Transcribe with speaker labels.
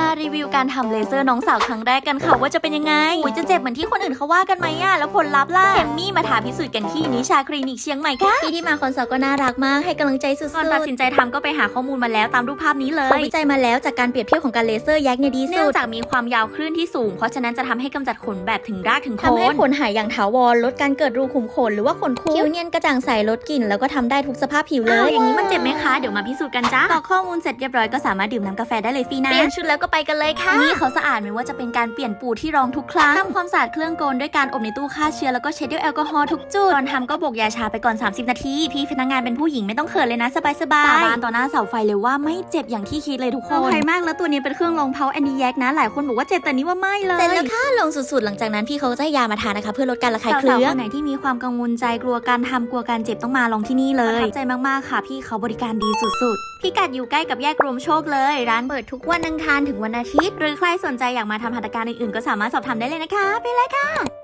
Speaker 1: มารีวิวการทำเลเซอร์น้องสาวครั้งแรกกันค่ะว่าจะเป็นยังไงจะเจ็บเหมือนที่คนอื่นเขาว่ากันไหมอะแล้วผลลัพธ์ล่ะเอมมี่มาถามพิสูจน์กันที่นิชาคลินิกเชียงใหม่ค่ะพี่ที่มาคอนซัลท์ก็น่ารักมากให้กำลังใจสุดๆก่อนตัดสินใจทำก็ไปหาข้อมูลมาแล้วตามรูปภาพนี้เลยเขาวิจัยมาแล้วจากการเปรียบเทียบของการเลเซอร์แยกเนี่ยดีสุดเนื่องจากมีความยาวคลื่นที่สูงเพราะฉะนั้นจะทำให้กำจัดขนแบบถึงรากถึงโคนทำให้ขนหายอย่างถาวรลดการเกิดรูขุมขนหรือว่าขนคุดคิ้วเนียนกระจ่างใสลดกลิ่นแล้วก็ทำได้ทุกสภาพผิวเลยอย่างนี้มันเจ็บไหมคะเดี๋ยวมาพิสูจน์กันจ้ากรอกข้อมูลเสร็จเรียบร้อยก็สามารถดื่มน้ำกาแฟได้เลยฟรีนะเปลี่ยนชุดแล้วก็ไปกันเลยค่ะนี่เขาสะอาดไม่ว่าจะเป็นการเปลี่ยนปูที่รองทุกครั้งทำความสะอาดเครื่องกลด้วยการอบในตู้ฆ่าเชื้อแล้วก็เช็ดด้วยแอลกอฮอล์ทุกจุดก่อนทำก็โบกยาชาไปก่อน30นาทีพี่พนักงานเป็นผู้หญิงไม่ต้องเขินเลยนะสบายสาบานต่อหน้าเสาไฟเลยว่าไม่เจ็บอย่างที่คิดเลยทุกคนใครมากแล้วตัวนี้เป็นเครื่องรองเพาแอนดี้แยกนะหลายคนบอกว่าเจ็บแต่นี้ว่าไม่เลยเสร็จแล้วค่ะลงสุดๆหลังจากนั้นพี่เขาจะให้ยามาทานนะคะเพื่อลดการระคายเคืองสาวๆคนไหนที่มีความกังวลใจกลัวการทำกลัวการเจ็บต้องมาลองที่นี่เลยประทับใจมากๆค่ะพี่เขาบริการดีสุดๆพิกัดอยู่ใกล้กับแยกรวมโชคเลยร้านเปิดทุกวันอังคารถึงวันอาทิตย์หรือใครสนใจอยากมาทำหัตถการอื่นๆก็สามารถสอบถามได้เลยนะคะไปเลยค่ะ